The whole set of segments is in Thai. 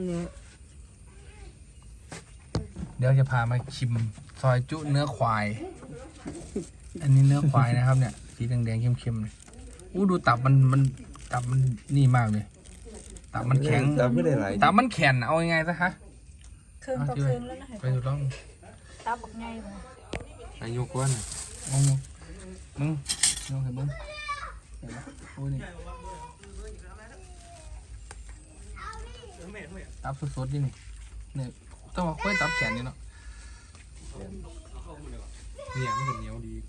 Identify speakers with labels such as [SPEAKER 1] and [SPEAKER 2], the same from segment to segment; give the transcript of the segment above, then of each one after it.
[SPEAKER 1] เดี๋ยวจะพามาชิมซอยจุเนื้อควาย อันนี้เนื้อควายนะครับเนี่ยสีแดงๆเข้มๆเลยอู้ดูตับมันตับมันนี่มากเลยตับมันแข็ง
[SPEAKER 2] ตับไม่ได้ไหล
[SPEAKER 1] ตับมันแข็งเอายังไงซะฮะ
[SPEAKER 3] เครื่องต่อเครื่องแล้วนะ
[SPEAKER 1] ไปดูต้อง
[SPEAKER 3] ตับบักไงบ่
[SPEAKER 2] อายุก้อน
[SPEAKER 1] มึงมึงเห็นมึงเห็นปะโอ้ยนี่ตับสดๆนี่เนี่ยต้องมาค่อยตับแข็งนี่เนาะ
[SPEAKER 2] เนี่ยมันจะเหนียวดีก็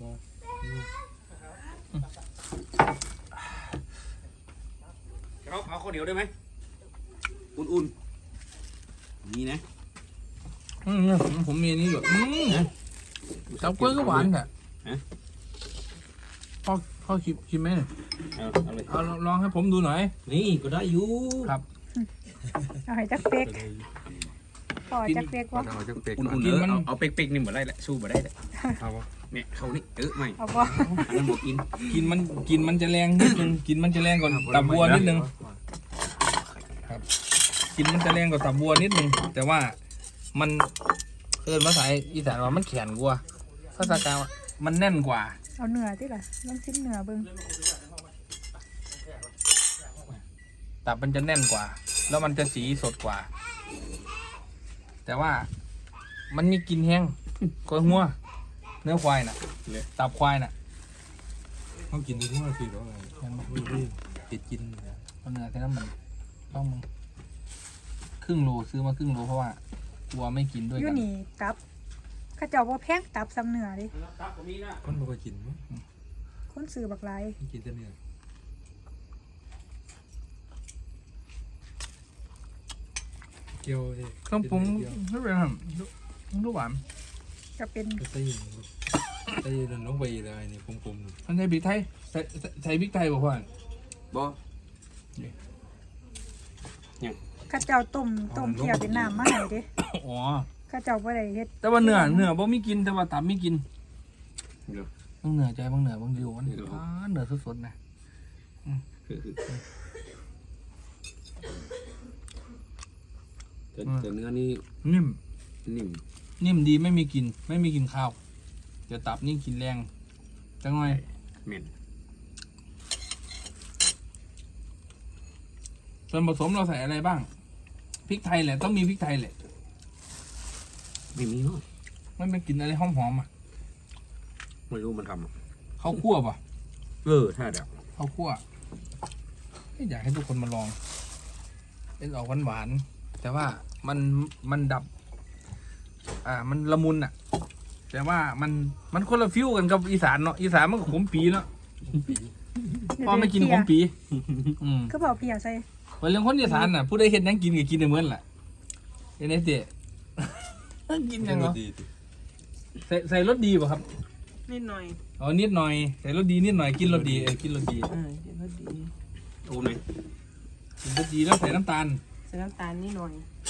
[SPEAKER 4] เอาข้าวเหนียวได้ไหมอุ่นๆนี่นะ
[SPEAKER 1] ผมมีอันนี้อยู่ตับกล้วยก็หวานแหละพ่อชิมไหมเนี่ย
[SPEAKER 4] เอาเลย
[SPEAKER 1] เอาลองให้ผมดูหน่อย
[SPEAKER 4] นี่ก็ได้อยู่
[SPEAKER 1] ครับ
[SPEAKER 3] เอาให้จักเป๊กพอจักเป๊กวะ
[SPEAKER 2] เอาจังเป็ก
[SPEAKER 4] อุ่นๆเอาเป๊กๆนี่เหมือนไรแหละสู้บ่ได้แหละ
[SPEAKER 2] เอาวะ
[SPEAKER 4] เนี่ยเขานี่ไม่
[SPEAKER 3] เอาบ่
[SPEAKER 4] อันนั้นบอกกิน
[SPEAKER 1] กินมันจะแรงนิดนึงกินมันจะแรงกว่าตับบัวนิดนึงครับกินมันจะแรงกว่าตับบัวนิดนึงแต่ว่ามันภาษาอีสานว่ามันแข็งกว่าภาษากลางว่ามันแน่นกว่า
[SPEAKER 3] เอาเนื้อติล่ะลองชิมเนื้อเบิ่ง
[SPEAKER 1] ตับมันจะแน่นกว่า แล้วมันจะสีสดกว่า แต่ว่ามันมีกลิ่นแห้งกว่าหัวเนื้อควายน่ะตับควายน่ะ
[SPEAKER 2] ต้องกินทุกวันสิหรอไงติดกิน
[SPEAKER 1] เอาเนื้อแค่นั้นมันต้องมึงครึ่งโลซื้อมาครึ่งโลเพราะว่ากลัวไม่กินด้วย
[SPEAKER 3] อยู่
[SPEAKER 1] กัน
[SPEAKER 3] นี่ตับเขาเจ้าบ่แพงตับซ้ำเนื้อดิ
[SPEAKER 2] มันไม่ค่อยกินมั้ง
[SPEAKER 3] คนซื้อบักหลาย
[SPEAKER 2] กินแต่เนื้อเกี๊ยวดิ
[SPEAKER 1] เครื่องปรุงไม่เป็นไรลูกหวาน
[SPEAKER 3] ก็เป็น
[SPEAKER 2] ก็ใส่ลงไปเลยนี่กลมๆ
[SPEAKER 1] มันใส่พริกไทยใส่พริกไทยบอกว่า
[SPEAKER 4] บ่
[SPEAKER 3] เขาเจ้าต้มเคี่ยวเป็นน้ำมาให้เด้
[SPEAKER 1] อ๋อ
[SPEAKER 3] เขาเจ้าบ่ได้เฮ็ด
[SPEAKER 1] แต่ว่าเนื้อบ่มีกินแต่ว่าตับมีกิน
[SPEAKER 4] เดี๋ยว
[SPEAKER 1] บางเนื้อใจบางเนื้อบางดิวมันเนื้อสดๆนะ
[SPEAKER 4] แต่เนื้อนี่
[SPEAKER 1] นิ่ม
[SPEAKER 4] นิ่ม
[SPEAKER 1] นิ่มดีไม่มีกลิ่นไม่มีกลิ่นข้าวแต่ตับนี่กลิ่นแรงจังไง
[SPEAKER 4] เหม็น
[SPEAKER 1] ส่วนผสมเราใส่อะไรบ้างพริกไทยแหละต้องมีพริกไทยแหละ
[SPEAKER 4] ไม่มีเนาะ
[SPEAKER 1] มันเป็นกลิ่นอะไรหอมๆอ่ะ
[SPEAKER 4] ไม่รู้มันทำอะ
[SPEAKER 1] ข้าวคั่วป่ะ
[SPEAKER 4] ถ้าเดี๋ยว
[SPEAKER 1] ข้าวคั่วอยากให้ทุกคนมาลองเป็นออกหวานๆแต่ว่ามันดับมันละมุนอ่ะ แต่ว่ามันคนละฟิวกันกับอีสานเนาะอีสานมันก็ขมปีเนาะพ่อไม่กินขมปี
[SPEAKER 3] คือเผาเปียกใส่
[SPEAKER 1] วันเรื่องคนอีสานน่ะผู้ใดเห็นยังกินก็กินได้เหมือนแหละเห็นไหมเจ๊กินยังเหรอใส่รสดีป่ะครับ
[SPEAKER 5] นิดหน่อย
[SPEAKER 1] อ๋อนิดหน่อยใส่รสดีนิดหน่อยกินรสดีกินรสดี
[SPEAKER 5] กินรสดี
[SPEAKER 4] โอ้ไหม
[SPEAKER 1] กินรสดีแล้วใส่น้ำตาล
[SPEAKER 5] ใส่น้ำตาลนิดหน่อย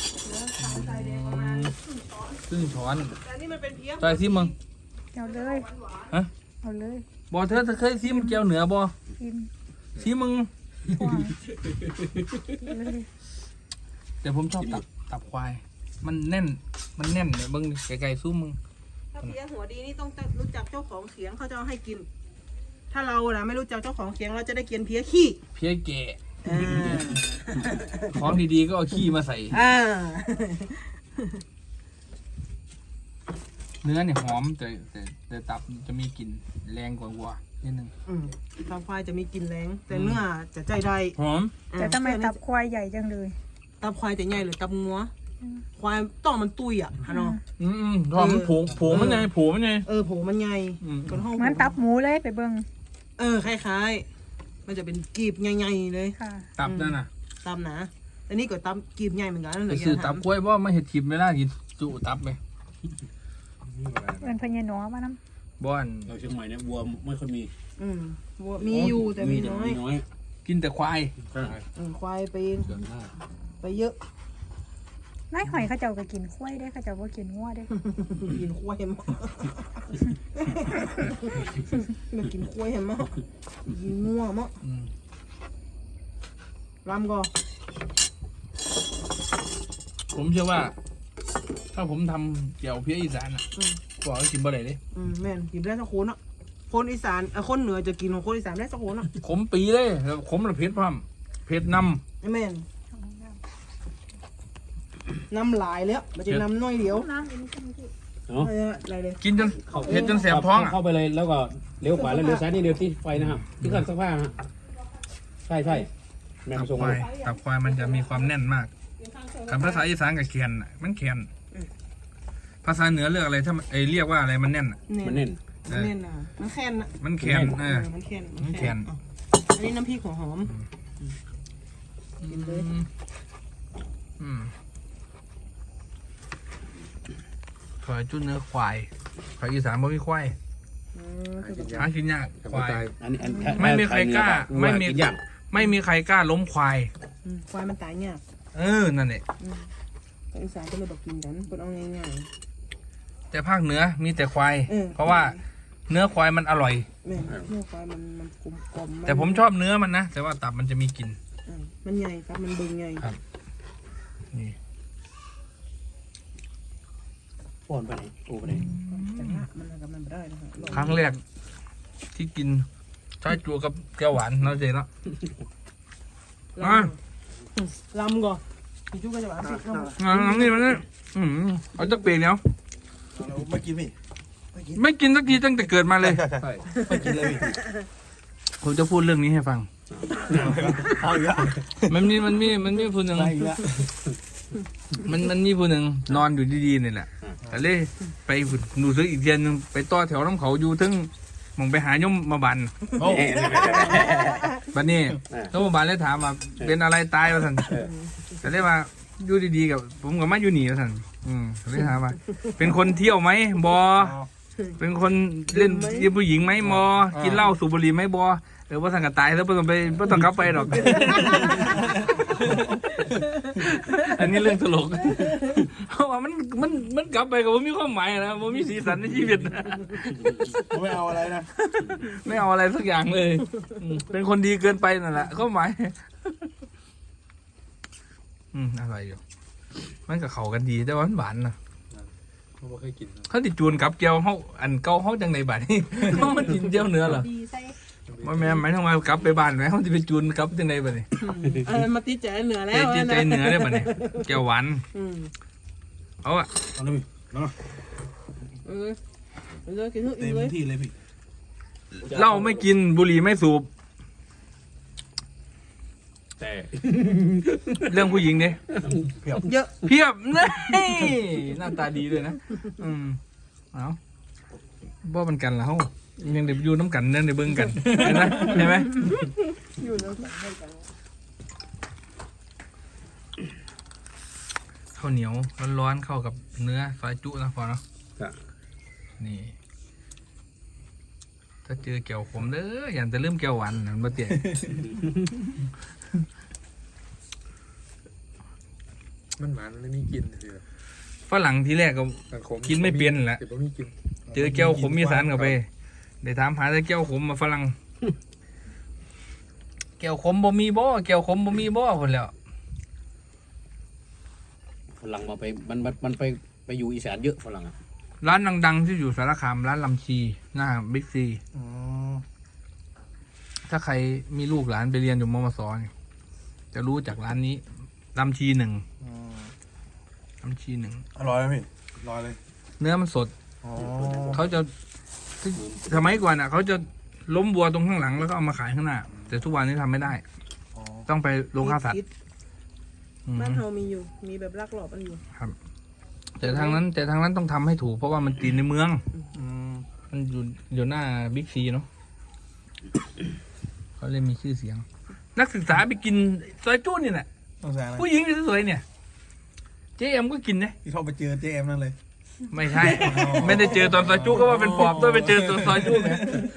[SPEAKER 1] ครึ่งช้อน
[SPEAKER 5] แต่นี่มันเป็นเพี้ย
[SPEAKER 1] ใส่ซิมึง
[SPEAKER 3] เอาเลย
[SPEAKER 1] ฮะ
[SPEAKER 3] เอาเลย
[SPEAKER 1] บอเธอเคยซิมแก้วเหนือบอ
[SPEAKER 3] กิน
[SPEAKER 1] ซิมึง
[SPEAKER 3] ควายเลย
[SPEAKER 1] แต่ผมชอบตับควาย มันแน่นเนี่ยเบิ้งไกลๆสู้มึง
[SPEAKER 5] ถ้าเพี้ยหัวดีนี่ต้องรู้จักเจ้าของเขียงเขาจะเอาให้กิน ถ้าเรานะไม่รู้จักเจ้าของเขียงเราจะได้กินเพี้ยขี้
[SPEAKER 1] เพี้ยแก่
[SPEAKER 5] อ่า
[SPEAKER 1] ของดีๆก็เอาขี้มาใส่
[SPEAKER 5] อ่า
[SPEAKER 1] เนื้อเนี่ยหอมแต่ตับจะมีกลิ่นแรงกว่าวัวนิดนึง
[SPEAKER 5] ตับควายจะมีกลิ่นแรงแต่เนื้อจะใจได้
[SPEAKER 1] หอม
[SPEAKER 3] แต่ทำไมตับควายใหญ่จังเลย
[SPEAKER 5] ตับควายจะใหญ่หรือตับงัวควายต้องมันตุยอ่ะฮะเนาะ
[SPEAKER 1] หอมผงมันไงผงมันไง
[SPEAKER 5] โผมันใหญ่คนห้อง
[SPEAKER 3] เหมือนตับหมูเลยไปเบิ่ง
[SPEAKER 5] คล้ายๆมันจะเป็นกีบใหญ่ๆเลย
[SPEAKER 3] ค่ะ
[SPEAKER 1] ตับนั่นน่ะ
[SPEAKER 5] ตับหนาอันนี้ก็ตับกีบใหญ่เหมือนกันนั่นแห
[SPEAKER 1] ไป
[SPEAKER 5] ละ
[SPEAKER 1] ซื้อตับกล้วยว่าไม่เห็ดทิมไม่ได้กินจุตับไหม
[SPEAKER 3] เป็นพญาหนอมานํ
[SPEAKER 1] บ้าน
[SPEAKER 4] เราเชียงใหม่เนี่ยวัวไม่ค่อยมี
[SPEAKER 5] วัวมีอยู่แต่มีน้อย
[SPEAKER 4] น้อย
[SPEAKER 1] กินแต่ควาย
[SPEAKER 5] ควายไป
[SPEAKER 2] เกินได้
[SPEAKER 5] ไปเยอะ
[SPEAKER 3] นายหอยเขาเจ้าก็กินควายได้เขาเจ้าบ่กินงัวได้
[SPEAKER 5] กินควายมากไม่กินควายมากกินงัวมากรำก็
[SPEAKER 1] ผมเชื่อว่า ถ้าผมทำเกี่ยวเพี้ยอีสานอ่ะบอกว่ากินบ่ได้เลย
[SPEAKER 5] แม่นกินได้สักคนอ่ะคนอีสานคนเหนือจะกินของคนอีสานได้สักคนอ่ะ
[SPEAKER 1] ขมปีเลยแล้วขมระเพ็ดพร้อมเผ็ดน
[SPEAKER 5] แม่นน้ำลายแล้วมันจะน้ำน้อยเดียว
[SPEAKER 3] น้ำอันนี้ก็ไม่ใช่
[SPEAKER 5] อะไรเลย
[SPEAKER 1] ำกินจนเผ็ดจนแสบท้องอ่ะ
[SPEAKER 4] เข้าไปเลยแล้วก็เลี้ยวขวาแล้วเลี้ยวซ้ายนี่เดียวที่ไฟนะครับที่เครื่องซักผ้านะฮะใช่ใช่แม่
[SPEAKER 1] ตับ
[SPEAKER 4] มาส่ง
[SPEAKER 1] ควา
[SPEAKER 4] เลย ย
[SPEAKER 1] ตับควายมันจะมีความแน่นมากคำภาษาอีสานกับแคนน่ะมันแคนภาษาเหนือเรียกอะไรถ้าเรียกว่าอะไรมันแน่นอ่ะ
[SPEAKER 4] มันเน้น
[SPEAKER 5] มันเน่นอ่ะมันแค้นอ่ะ
[SPEAKER 1] มันแคน
[SPEAKER 5] มันแค้น
[SPEAKER 1] มันแคน
[SPEAKER 5] อันนี้น้ำพริกหัวหอม กินเลย
[SPEAKER 1] อืมถอยจุดเนื้อควายภาษาอีสานบ่มีควายหากินยากควาย
[SPEAKER 4] อันนี้
[SPEAKER 1] ไม่มีใครกล้าไม่มี
[SPEAKER 4] กินยาก
[SPEAKER 1] ไม่มีใครกล้าล้มควาย
[SPEAKER 5] ควายมันตายยาก
[SPEAKER 1] นั่นแหละ
[SPEAKER 5] แต่อีสานก็เลยบอกกินกันคนเอาง่าย
[SPEAKER 1] แต่ภาคเหนือมีแต่ควาย
[SPEAKER 5] อืม
[SPEAKER 1] เพราะว่าเนื้อควายมันอร่อย
[SPEAKER 5] ๆแม่เนื้อควายมันกลมๆ
[SPEAKER 1] แต่ผมชอบเนื้อมันนะ แต่ว่าตับมันจะมีกลิ่น
[SPEAKER 5] มันใหญ่ครับมันบึงใหญ่
[SPEAKER 1] ครับ นี่
[SPEAKER 4] ป้อนไปไหนโอ้ไปไหน
[SPEAKER 5] แต่ละมันกับมันไม่ได้นะฮะลอง
[SPEAKER 1] ครั้งแรกที่กินชาจูกับแก้วหวานเนาะเจ๊เนาะ
[SPEAKER 5] ลองลำก่อนพี่จุ๊กก็จะหวานสิลำ
[SPEAKER 1] น้ำนี่มันนี่เอาจักเปลี่ยนเนาะ
[SPEAKER 2] ไม่กินพี่
[SPEAKER 1] ไม่กินสักทีตั้งแต่เกิดมาเลย
[SPEAKER 2] ใช่ไม่กินเลยพี่
[SPEAKER 1] ผมจะพูดเรื่องนี้ให้ฟัง
[SPEAKER 2] เอาอีกแล้ว
[SPEAKER 1] มันมีผู้หนึ่ง
[SPEAKER 2] ไปอีกแล้ว
[SPEAKER 1] มันมีผู้หนึ่งนอนอยู่ดีๆนี่แหละแต่เลยไปดูซื้ออีกเทียนหนึงไปต่อแถวน้ำเขาอยู่ถึงมองไปหายมมาบัน
[SPEAKER 2] โอ้
[SPEAKER 1] บันนี้แล้วมาบันเลยถามว่าเป็นอะไรตายวะท่านแต่เลยว่าอยู่ดีๆกับผมกับมาอยู่นี่วะท่านเลยถามว่า เป็นคนเที่ยวไหมบอเป็นคนเล่นยีผู้หญิงไหมบอกินเหล้าสูบบุหรี่ไหมบอว่าสั่งกับตายแล้วไม่ต้องกลับไปหรอก อันนี้เรื่องตลก เพราะว่ามันกลับไปกับว่ามีความหมายนะว่ามีสีสันในชีวิตนะ
[SPEAKER 2] ผมไม่เอาอะไรนะ
[SPEAKER 1] ไม่เอาอะไรสักอย่างเลยเป็นคนดีเกินไปนั่นแหละความหมายอะไรอยู่มันกับเขากันดีแต่ว่ามันหวานนะ
[SPEAKER 2] ผมไม่เคยกิน
[SPEAKER 1] เขาติดจูนกับเกียวเขาอันเก่าเขาจังในบ้านนี่ เขามันกินเจียวเนื้อเหรอ
[SPEAKER 3] ดีใส่
[SPEAKER 1] ว่าแม่หมายถึงว่ากลับไปบ้านไหมเขาจะไปจูนกลับจังในบ้านนี่
[SPEAKER 5] มาติดใจเหนือแล้
[SPEAKER 1] ใจ
[SPEAKER 5] ว
[SPEAKER 1] ใจเนื้อได้บ้านนี่เกียวหวานเอาอะ
[SPEAKER 2] เอาเลยพี่เนาะ
[SPEAKER 5] เลยกินทุก
[SPEAKER 2] เต็ม
[SPEAKER 5] เลย
[SPEAKER 2] ที่เลยพี่
[SPEAKER 1] เหล้าไม่กินบุหรี่ไม่สูบ
[SPEAKER 4] แต่
[SPEAKER 1] เรื่องผู้หญิงเนี่ย
[SPEAKER 5] เยอะ
[SPEAKER 1] เพียบนี่หน้าตาดีด้วยนะเอาบ่มันกันแล้วยังเดี๋ยวอยู่น้ำกันเดี๋ยวเบิ่งกันเห็นไหมเห็นไหม
[SPEAKER 5] อยู่แล้วให้กัน
[SPEAKER 1] ข้าวเหนียวร้อนๆเข้ากับเนื้อซอยจุนะพอเนาะนี่ ถ้าเจอแก้วขมเด้ออย่าจะลืมแก้วหวานนะมันบ่เตี้ย
[SPEAKER 2] มันหวานมันไม่มีกินเลย
[SPEAKER 1] ฝรั่งทีแรกก็กินไม่เปลี่ยนแหละ
[SPEAKER 2] แต่ผมไม่กิน
[SPEAKER 1] เจอแก้วขมมีสารเข้าไปได้ถามหาแต่แก้วขมมาฝรั่งแก้วขมบ่มีบ่แก้วขมบ่มีบ่คนแล้ว
[SPEAKER 4] ฝรั่งมาไปมันไปอยู่อีสานเยอะฝรั่งอ่ะ
[SPEAKER 1] ร้านดังๆที่อยู่สารคามร้านลำชีหน้าบิ๊กซี
[SPEAKER 2] อ๋อ
[SPEAKER 1] ถ้าใครมีลูกหลานไปเรียนอยู่มมสเนี่ยจะรู้จากร้านนี้ลำชีหนึ่งลำชีหนึ่ง
[SPEAKER 2] อร่อยไหมพี่อร่อยเลย
[SPEAKER 1] เนื้อมันสด
[SPEAKER 2] อ๋อ
[SPEAKER 1] เขาจะสมัยก่อนอ่ะเขาจะล้มวัวตรงข้างหลังแล้วก็เอามาขายข้างหน้า แต่ทุกวันนี้ทำไม่ได้
[SPEAKER 2] อ๋อ
[SPEAKER 1] ต้องไปโรงฆ่าสัตว์อืม
[SPEAKER 5] บ้านเฮามีอยู่มีแบบลักหลอบอันอยู่
[SPEAKER 1] แต่ทางนั้นต้องทำให้ถูกเพราะว่ามันตีในเมือง
[SPEAKER 2] อืม
[SPEAKER 1] มันอยู่หน้าบิ๊กซีเนาะเขาเลยมีชื่อเสียง นักศึกษาไปกินซอยจู้นี่แหละ
[SPEAKER 2] ต้องแซงนะ
[SPEAKER 1] ผู้หญิงสวยๆเนี่ยเจ๊เอ็มก็กินนะ
[SPEAKER 2] ที่เขาไปเจอเจมนั่นเลย
[SPEAKER 1] ไม่ใช่ ไม่ได้เจอตอนซอยจุก็ว่าเป็นปอบต้องไปเจอตอนซอยจุเนี่ย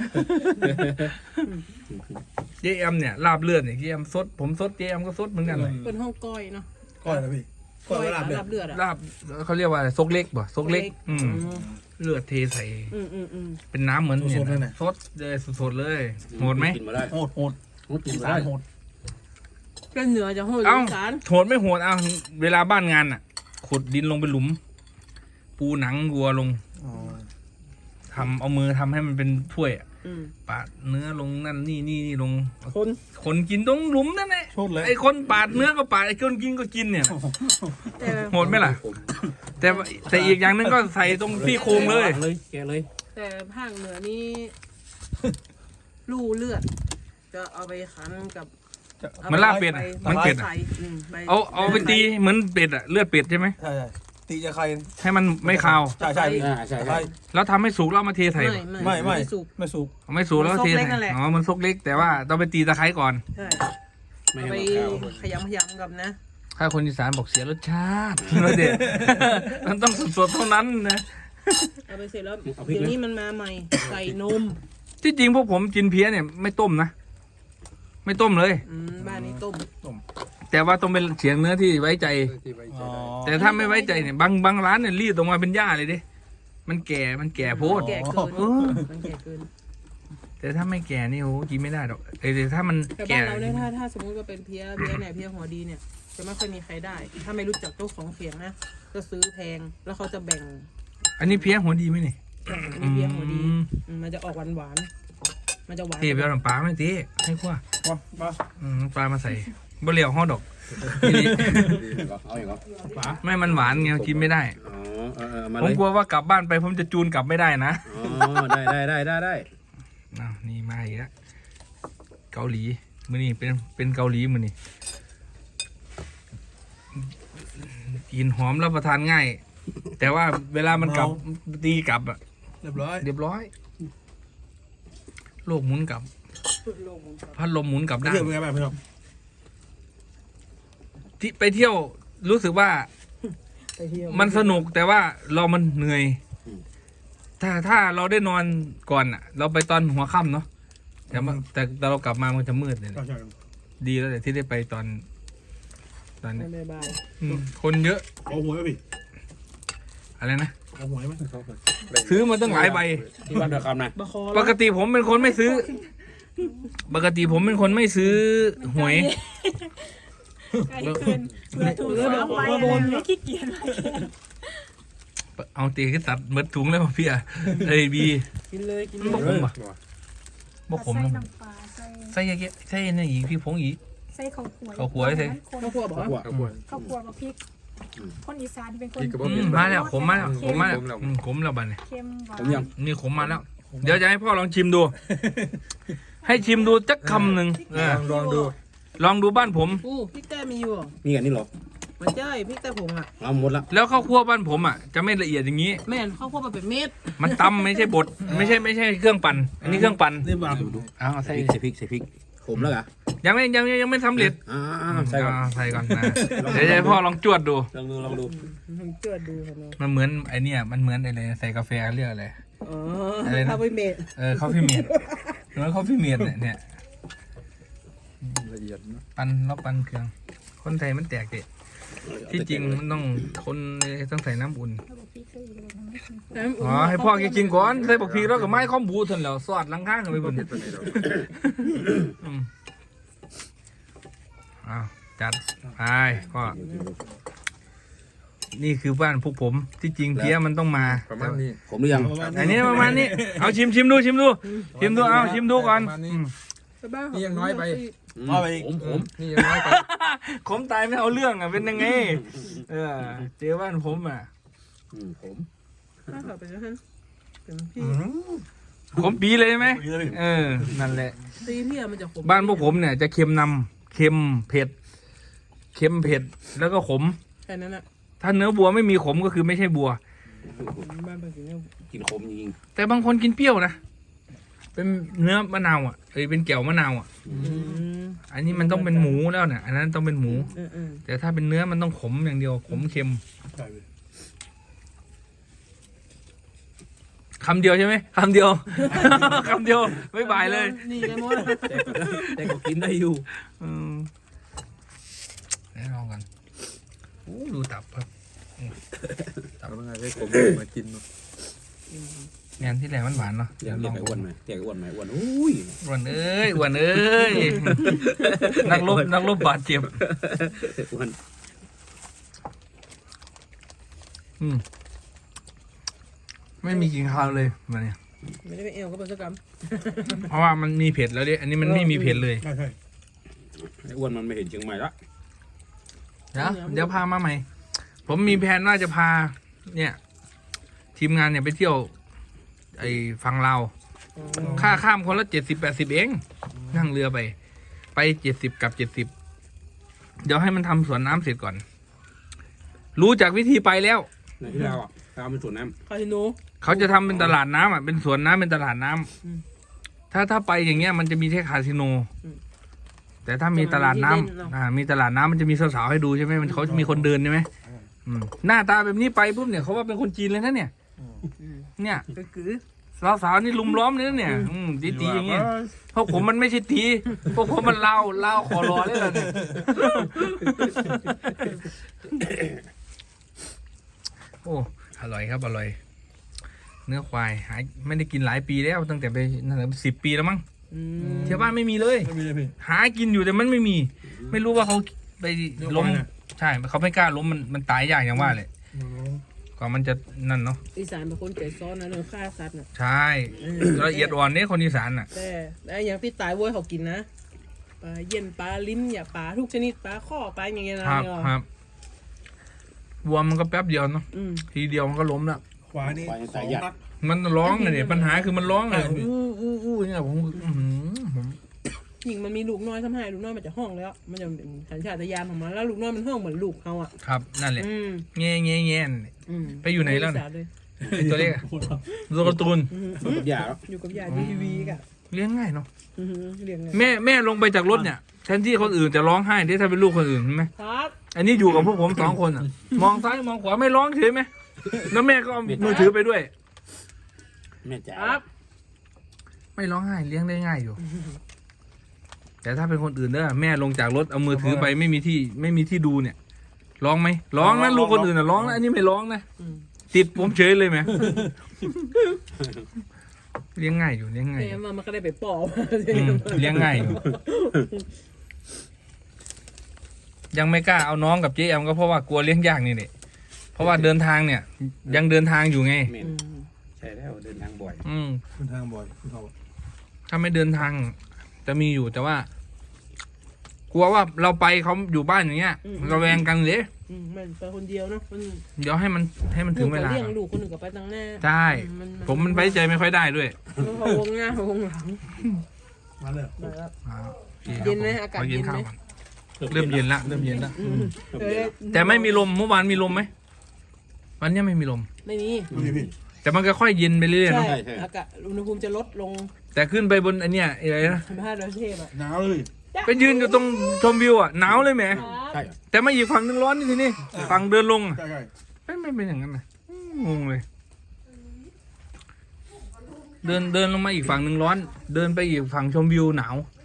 [SPEAKER 1] เจมเนี่ยลาบเลือดเนี่ยเจมสดผมสดเจมก็สดเหมือนกันเลย
[SPEAKER 5] เป็นห้องก้อยเนาะ
[SPEAKER 2] ก้อยนะพี่ก้อยลาบเลือด
[SPEAKER 5] เลือดอ่ะ
[SPEAKER 1] ลาบเขาเรียกว่าอะไรซกเล็กป่ะซกเล็ก เลือดเทใส่ เป็นน้ำเหมือนเนี่ยสดเลยสดๆเลยโหดไหม
[SPEAKER 4] กินมาได้
[SPEAKER 2] โหดโหด
[SPEAKER 4] กิน
[SPEAKER 2] อี
[SPEAKER 4] มา
[SPEAKER 2] สาน
[SPEAKER 4] ได้
[SPEAKER 2] โหด
[SPEAKER 5] เป็นเหนือจะโหด
[SPEAKER 1] เอ้า
[SPEAKER 5] อีสาน
[SPEAKER 1] โหดไม่โหดเอาเวลาบ้านงานอ่ะขุดดินลงไปหลุม ปูหนังวัวลง
[SPEAKER 2] อ๋อ
[SPEAKER 1] ทำเอามือทำให้มันเป็นถ้วยอะ
[SPEAKER 5] อืม
[SPEAKER 1] ปาดเนื้อลงนั่นนี่ลง
[SPEAKER 5] คน
[SPEAKER 1] คนกินตรงหลุมนั่นแหละ
[SPEAKER 2] โทษเลย
[SPEAKER 1] ไอ้คนปาดเนื้อก็ปาดไอ้คนกินก็กินเนี่ย
[SPEAKER 5] แต่
[SPEAKER 1] โหดไหมล่ะ แต่อีกอย่างหนึงก็ใส่ตรงที่โครงเลย
[SPEAKER 4] แกเลย
[SPEAKER 5] แต่ภาคเหนือนี่ ลู่เลือด จะเอาไปขันกับ
[SPEAKER 1] มันลาบเป็ดอะ
[SPEAKER 5] ใบ
[SPEAKER 1] มันเป็ดอะ
[SPEAKER 5] ไทรใบ
[SPEAKER 1] เอาไปตีเหมือนเป็ดอะเลือดเป็ดใช่ไหม
[SPEAKER 2] ใช่ตีจะใคร
[SPEAKER 1] ให้มันไม่คาว
[SPEAKER 2] ใช่ใช่
[SPEAKER 4] ใช่
[SPEAKER 2] ใคร
[SPEAKER 1] แล้วทำให้สุกแล้วเอามาเทใส่
[SPEAKER 2] ไม่
[SPEAKER 5] สุก
[SPEAKER 2] ไม่สุก
[SPEAKER 1] เอาไม่สุกแล้วเท
[SPEAKER 5] มันซกเล็
[SPEAKER 1] ใส่
[SPEAKER 5] กนั่นแหละ
[SPEAKER 1] อ๋อมันซกเล็กแต่ว่าต้องไปตีตะไคร้ก่อน
[SPEAKER 5] ใช่
[SPEAKER 4] ไม่
[SPEAKER 5] เอา
[SPEAKER 4] ให้
[SPEAKER 5] ไป
[SPEAKER 4] มันขาว
[SPEAKER 5] ขยำกับนะ
[SPEAKER 1] ถ้าคนอีสานบอกเสียรสชาติ รสเด็ด มันต้องสดๆเท่านั้นนะ
[SPEAKER 5] เอาไปเสร็จแล้วเดี๋ยวนี้มันมาใหม่ ใส่นม
[SPEAKER 1] ที่จริงพวกผมกินเพี้ยเนี่ยไม่ต้มนะ ไม่ต้มเลย
[SPEAKER 5] บ้านนี้ต้ม
[SPEAKER 1] แต่ว่าต้องเป็นเสียงเนื้อที่ไว้ใจ
[SPEAKER 2] อ๋อ
[SPEAKER 1] แต่ถ้าไม่ไว้ใจเนี่ยบางร้านเนี่ยรีดออกมาเป็นหญ้าเลยดิมันแก่โพด
[SPEAKER 5] แก่เกิน
[SPEAKER 1] เออ
[SPEAKER 5] มันแก่เกิน
[SPEAKER 1] แต่ถ้าไม่แก่นี่โอ้กินไม่ได้หรอกแต่ถ้ามัน
[SPEAKER 5] แต่
[SPEAKER 1] แก่
[SPEAKER 5] บ้านเราเนี่ยถ้าสมมติว่าเป็นเพี้ยเนี่ยเพี้ยหัวดีเนี่ยจะไม่ค่อยมีใครได้ ถ้าไม่รู้จักเจ้าของเขียงนะก็ซื้อแพงแล้วเขาจะแบ่ง
[SPEAKER 1] อันนี้เพี้ยหัวดีไหมนี่
[SPEAKER 5] อันนี้เพี้ยหัวดี
[SPEAKER 1] อืม
[SPEAKER 5] มันจะออกหวานๆมันจะหวาน
[SPEAKER 1] เทไปเอาน้ำปลาไม่ตีให้ขั้ว
[SPEAKER 2] มา
[SPEAKER 1] น้ำปลามาใส่บะเหลียวห่อดอก
[SPEAKER 4] เอาอย่างก็
[SPEAKER 1] ไม่มันหวานไงกินไม่ได้
[SPEAKER 4] อ๋อมา
[SPEAKER 1] ผม
[SPEAKER 4] เลย
[SPEAKER 1] กลัวว่ากลับบ้านไปผมจะจูนกลับไม่ได้นะ
[SPEAKER 4] อ๋อได้
[SPEAKER 1] อ้าวนี่มาอีกแล้วเกาหลีมือนี่เป็นเกาหลีมือนี่กินหอมรับประทานง่าย แต่ว่าเวลามันกลับตีกลับอะ
[SPEAKER 2] เรียบร้อย
[SPEAKER 1] เรียบร้อย โลกหมุนกลับ พัดลมหมุนกลับ
[SPEAKER 2] ไป
[SPEAKER 1] ด้า
[SPEAKER 2] เที่ยวน เป็นไงบ้างพี่น้อง
[SPEAKER 1] ที่ไปเที่ยวรู้สึกว่า
[SPEAKER 5] ไปเที่ยว
[SPEAKER 1] มันสนุกแต่ว่ามันเหนื่อย ถ้าเราได้นอนก่อนอ่ะ เราไปตอนหัวค่ำเนาะแต่เรากลับมามันจะมืดเลย
[SPEAKER 2] ใช่ใช่
[SPEAKER 1] ดีแล้วแต่ที่ได้ไปตอนนี้
[SPEAKER 5] บาย
[SPEAKER 1] คนเยอะ
[SPEAKER 2] เอาหวยไหมพี่
[SPEAKER 1] อะไรนะ
[SPEAKER 2] เอาหวยไหม
[SPEAKER 1] ซื้อมาตั้งหลายใบ
[SPEAKER 4] ที่บ้านเดือดคำนะ
[SPEAKER 5] บะคอ
[SPEAKER 1] ปกติผมเป็นคนไม่ซื้อ ปกติผมเป็นคนไม่ซื้อหวย
[SPEAKER 3] ไกลเกินเพื่อถูกสองใบอะไรไม่ขี้เกียจไป
[SPEAKER 1] เอาตีขึ้นตัดเมดถุงเลยป่ะพี่อ่ะเอ้ยบี
[SPEAKER 5] กินเลยกิน
[SPEAKER 1] บอก
[SPEAKER 5] เล
[SPEAKER 1] ผม
[SPEAKER 5] ย
[SPEAKER 1] ป่ะบอกผม
[SPEAKER 3] ใส่
[SPEAKER 1] นะ
[SPEAKER 3] น้ำปลาใส่
[SPEAKER 1] ใส่เยอะๆใส่นี่อีกพี่ผงอีก
[SPEAKER 3] ใส่ข้าวคั่ว
[SPEAKER 1] ข้าวคั่วใส่
[SPEAKER 5] ข้าวคั่วบอกว่า
[SPEAKER 3] ข้าวคั่วกับพริก คนอีสานเป็นคน
[SPEAKER 1] มาแล้วผมมาแล้วผมมาแล้วขมแล้วบัดเนี่ย
[SPEAKER 3] เค็มหวาน
[SPEAKER 4] ผมยัง
[SPEAKER 1] นี่ขมมาแล้ว เดี๋ยวจะให้พ่อลองชิมดู ให้ชิมดูจักคำหนึ่ง
[SPEAKER 2] ลองดู
[SPEAKER 1] ลองดูบ้านผม
[SPEAKER 5] พริกแต้มีอยู่
[SPEAKER 4] นี่อันนี้เหรอ
[SPEAKER 5] มันใช่พริกแต้ผงอ่ะ
[SPEAKER 4] เอาหมดละ
[SPEAKER 1] แล้วข้าวคั่วบ้านผมอ่ะจะไม่ละเอียดอย่างนี้
[SPEAKER 5] แม่นข้าวคั่วมาเป็นเม็ด
[SPEAKER 1] มันตำไม่ใช่บดไม่ใช่เครื่องปั่นอันนี้เครื่องปั่น
[SPEAKER 2] นี่บ้าง
[SPEAKER 1] เอาใส่
[SPEAKER 4] ใส่พริกขมแล้วเหรอ
[SPEAKER 1] ยังไม่สำเร็จ
[SPEAKER 4] ใส่ก่อน
[SPEAKER 1] ใส่ก่อนนะเดี๋ยวจะให้พ่อลองจวดดู
[SPEAKER 4] ลองดู
[SPEAKER 5] มันเจือดดูกันเนาะ
[SPEAKER 1] มันเหมือนไอเนี่ยมันเหมือนอะไรใส่กาแฟเรียกอะไร
[SPEAKER 5] อ๋อ
[SPEAKER 1] อะไรนะ
[SPEAKER 5] ข้าวไปเม็ด
[SPEAKER 1] คอฟฟี่เมดเหมือนคอฟฟี่เมดเนี่ย
[SPEAKER 2] ละเอียดนะ
[SPEAKER 1] ปั่นเครื่อง คนไทยมันแตกเด็ดที่จริงมันต้องต้องใส่น้ำอุ่น
[SPEAKER 3] แล้วบอกพริกใส่อีกเลยทำให้กิน
[SPEAKER 1] อ๋อให้พ่อแกกินก่อนใส่บักพีแล้วก็ไม้ข้อมบูทันแล้วสอดหลังข้างกันไปบนอ้าวจัดไปก็นี่คือบ้านพวกผมที่จริงเพี้ยมันต้องมา
[SPEAKER 2] ประมาณนี้
[SPEAKER 4] ขมหรือยัง
[SPEAKER 1] อันนี้ประมาณนี้เอาชิมดูเอาชิมดูก่อน
[SPEAKER 5] ไปบ้าน
[SPEAKER 2] นี่ยังน้อยไป
[SPEAKER 4] ผม
[SPEAKER 2] นี่ยังน้อยไป
[SPEAKER 1] ขมตายไม่เอาเรื่องอ่ะเป็นยังไงเจอบ้านผมอ่ะ
[SPEAKER 4] ผม
[SPEAKER 5] บ้านเขาเป็นยังไงเป็นพี่
[SPEAKER 1] ขมปีเลยไหมนั่นแหละ
[SPEAKER 5] ตีพี่มันจะขม
[SPEAKER 1] บ้านพวกผมเนี่ยจะเค็มนำเค็มเผ็ดแล้วก็ขม
[SPEAKER 5] แค่นั้นแหละ
[SPEAKER 1] ถ้าเนื้อบัวไม่มีขมก็คือไม่ใช่บัว
[SPEAKER 5] บ้านเป็นอย่างนี้
[SPEAKER 4] กินขมจริง
[SPEAKER 1] แต่บางคนกินเปรี้ยวนะเป็นเนื้อมะนาวอ่ะเป็นแก้วมะนาวอ่ะ อันนี้มันต้องเป็นหมูแล้วเนี่ยอันนั้นต้องเป็นหมู แต่ถ้าเป็นเนื้อมันต้องขมอย่างเดียวขมเค็มคำเดียวใช่ไหมคำเดียว คำเดียวไม่บายเลย
[SPEAKER 5] นี่ไงมด
[SPEAKER 4] แต่ก็กินได้อยู่
[SPEAKER 1] ได้ลองกันโอ้ดูตับครับ
[SPEAKER 2] ทำยังไงให้ผมมากิน
[SPEAKER 1] งานที่แหลมมันหวานเนาะ
[SPEAKER 4] เรียกไอ้อ้วนไหมอ้วนอุ้ย
[SPEAKER 1] อ้วนเอ้ย นักรบบาดเจ็บ
[SPEAKER 4] อ้วน
[SPEAKER 1] ไม่มีกินข้าวเลยวันนี้
[SPEAKER 5] ไม่ได้ไปเอวก็เป็นสักกรรม
[SPEAKER 1] เพราะว่ามันมีเผ็ดแล้วดิอันนี้มันไม่มีเผ็ดเลย
[SPEAKER 2] ใช่ใช่
[SPEAKER 4] ไอ้อ้วนมันไม่เห็นเชียงใหม่ละ
[SPEAKER 1] เดี๋ยวพามาใหม่ ผมมีแผนว่าจะพา เนี่ย ทีมงานเนี่ยไปเที่ยว ไอ้ฝั่งลาวค่าข้ามคนละ70-80เองนั่งเรือไป70กับ70เดี๋ยวให้มันทำสวนน้ำเสร็จก่อน รู้จากวิธีไปแล้ว
[SPEAKER 4] ในที่เราอ่ะเราเป็นสวนน้
[SPEAKER 5] คาสิโน
[SPEAKER 1] เขาจะทำเป็นตลาดน้ำอ่ะเป็นสวนน้ำเป็นตลาดน้ำถ้าไปอย่างเงี้ยมันจะมีแค่คาสิโน แต่ถ้ามีตลาดน้ำมีตลาดน้ำมันจะมีสาวๆให้ดูใช่ไหมมันเขาจะมีคนเดินใช่ไหมหน้าตาแบบนี้ไปปุ๊บเนี่ยเขาว่าเป็นคนจีนเลยนะเนี่ย เนี่ย
[SPEAKER 5] ก็คือ
[SPEAKER 1] สาวๆนี่ลุมล้อมเลยนะเนี่ยตีๆอย่างเงี้ยเพราะผมมันไม่ใช่ตีพวกผมมันเล่าขอรอเลยล่ะเนี่ยโอ้อร่อยครับอร่อย เนื้อควายหายไม่ได้กินหลายปีแล้วตั้งแต่ไปนั่นแหละ10 ปีแล้วมั้งเที่ยวบ้านไม่มีเลย
[SPEAKER 2] ไม่มีเลยพี่
[SPEAKER 1] หากินอยู่แต่มันไม่มี ไม่รู้ว่าเขาไปล้ม
[SPEAKER 2] เนื้อควายน่ะ
[SPEAKER 1] ใช่เขาไม่กล้าล้มมันตายยากอย่างว่าเลยกว่ามันจะนั่นเนาะ
[SPEAKER 5] อีสานเป็นคนใจซ้อนนะเรื่องฆ่าสัตว์น่ะ
[SPEAKER 1] ใช่ละเอียดอ่อนเนี่ยคนอีสานน่ะ
[SPEAKER 5] แต่อย่างที่ตายเว้ยเขากินนะปลาเย็นปลาลิ้นอย่าปลาทุกชนิดปลาข้อปลาอย่างเงี้ยนะครับ
[SPEAKER 1] ครับวัวมันก็แป๊บเดียวเนาะ
[SPEAKER 5] อืม
[SPEAKER 1] ทีเดียวมันก็ล้มแล้ว
[SPEAKER 2] ขวานี่
[SPEAKER 4] ำควาย
[SPEAKER 2] ส
[SPEAKER 4] สา
[SPEAKER 2] อย ง
[SPEAKER 4] หยัด
[SPEAKER 2] นัด
[SPEAKER 1] มันร้องเลยเนี่ยปัญหาคือมันร้องเลย
[SPEAKER 2] ใช่พี่
[SPEAKER 1] อู้เนี่ยผมผม
[SPEAKER 5] หญิงมันมีลูกน้อยทำให้ลูกน้อยมันจะห้องแล้ว มันจะเป็นสัญชาตญาณของมันแล้วลูกน้อยมันห้องเหมือนลูกเขาอ่ะ
[SPEAKER 1] ครับนั่นแหละ
[SPEAKER 5] อืม
[SPEAKER 1] แง่แง่แง่
[SPEAKER 5] อืม
[SPEAKER 1] ไปอยู่ไหนแล้วเนี่ย
[SPEAKER 5] สาเลย
[SPEAKER 1] ไอ้ตัวเล็กอะตัวการ์ตูน
[SPEAKER 5] อืม
[SPEAKER 4] มันกับยาแล้ว
[SPEAKER 5] อยู่กับยายดูทีวีกะ
[SPEAKER 1] เลี้ยงง่ายเนาะ
[SPEAKER 5] อือหือเรียงไง
[SPEAKER 1] แม่ลงไปจากรถเนี่ยแทนที่คนอื่นจะร้องไห้ที่ถ้าเป็นลูกคนอื่นใช่ไหม
[SPEAKER 5] ครับ
[SPEAKER 1] อันนี้อยู่กับพวกผม2 คนอ่ะ มองซ้ายมองขวาไม่ร้องเฉยไหมแล้วแม่ก็เอามือถือไปด้วย
[SPEAKER 4] แม่จ๋า
[SPEAKER 5] ครับ
[SPEAKER 1] ไม่ร้องไห้เลี้ยงได้ง่ายอยู่ แต่ถ้าเป็นคนอื่นเด้อแม่ลงจากรถเอามือถือไปไม่มีที่ดูเนี่ย ร้องไหมร้องนะลูกคนอื่นน่ะร้องนะอันนี้ไม่ร้องนะ
[SPEAKER 5] อืม
[SPEAKER 1] ติดผมเฉยเลยไหมเลี้ยงง่ายอยู่เลี้ยงง่ายอ
[SPEAKER 5] เนี่ย
[SPEAKER 1] ยู่
[SPEAKER 5] มันก็ได้ไปปอบ
[SPEAKER 1] เลี้ยงง่ายอยู่ยังไม่กล้าเอาน้องกับเจ๊แอมก็เพราะว่ากลัวเลี้ยงยากนี่แหละเพราะว่าเดินทางเนี่ย ยังเดินทางอยู่ไง
[SPEAKER 4] แม่นใช่แล้วเดินทางบ่อย
[SPEAKER 2] เดินทางบ่อยคุณเขา
[SPEAKER 1] ถ้าไม่เดินทางจะมีอยู่แต่ว่า กลัวว่าเราไปเขาอยู่บ้านอย่างเงี้ยเราแวงกันเลย
[SPEAKER 5] มันไปคนเดียวเนาะมัน
[SPEAKER 1] เดี๋ยวให้มันถึงเวลา
[SPEAKER 5] เลี้ยงลูกคนหนึ่งก็ไปตั้งหน้า
[SPEAKER 1] ใช่ผมมันไว้ใจไม่ค่อยได้ด้วย
[SPEAKER 5] พอวงหน้าวงหลัง
[SPEAKER 2] มาเลย
[SPEAKER 5] มาแล้ว
[SPEAKER 1] โอคครับ
[SPEAKER 5] เย็นไหมอากาศ
[SPEAKER 1] ข
[SPEAKER 5] เย็นไหม
[SPEAKER 1] ข้าวก่อนเริ่มเย็นละเริ่มเย็นละ
[SPEAKER 5] เออ
[SPEAKER 1] แต่ไม่มีลมเมื่อวานมีลมไหมวันนี้ไม่มีลม
[SPEAKER 5] ไม่มี
[SPEAKER 2] พี่พี่
[SPEAKER 1] แต่มันก็ค่อยเย็นไปเรื่อยๆ
[SPEAKER 5] ใช่
[SPEAKER 1] เนาะ
[SPEAKER 5] อากาศอุณหภูมิจะลดลง
[SPEAKER 1] แต่ขึ้นไปบนอันเนี้ยอะไรนะ
[SPEAKER 5] ธรรมชาติประเทศอ่ะ
[SPEAKER 2] หนาวเลย
[SPEAKER 1] ไปยืนอยู่ตรงชมวิวอ่ะหนาวเลยแหม
[SPEAKER 4] ใช่เหรอ
[SPEAKER 1] แต่มาอีกฝั่งนึงร้อนนี่ทีนี่ฝั่งเดินลงอะ
[SPEAKER 2] ใช่ใช่
[SPEAKER 1] ไม่เป็นอย่างนั้นนะงงเลย เดินลงมาอีกฝั่งหนึ่งร้อน เดินไปอีกฝั่งชมวิวหนาว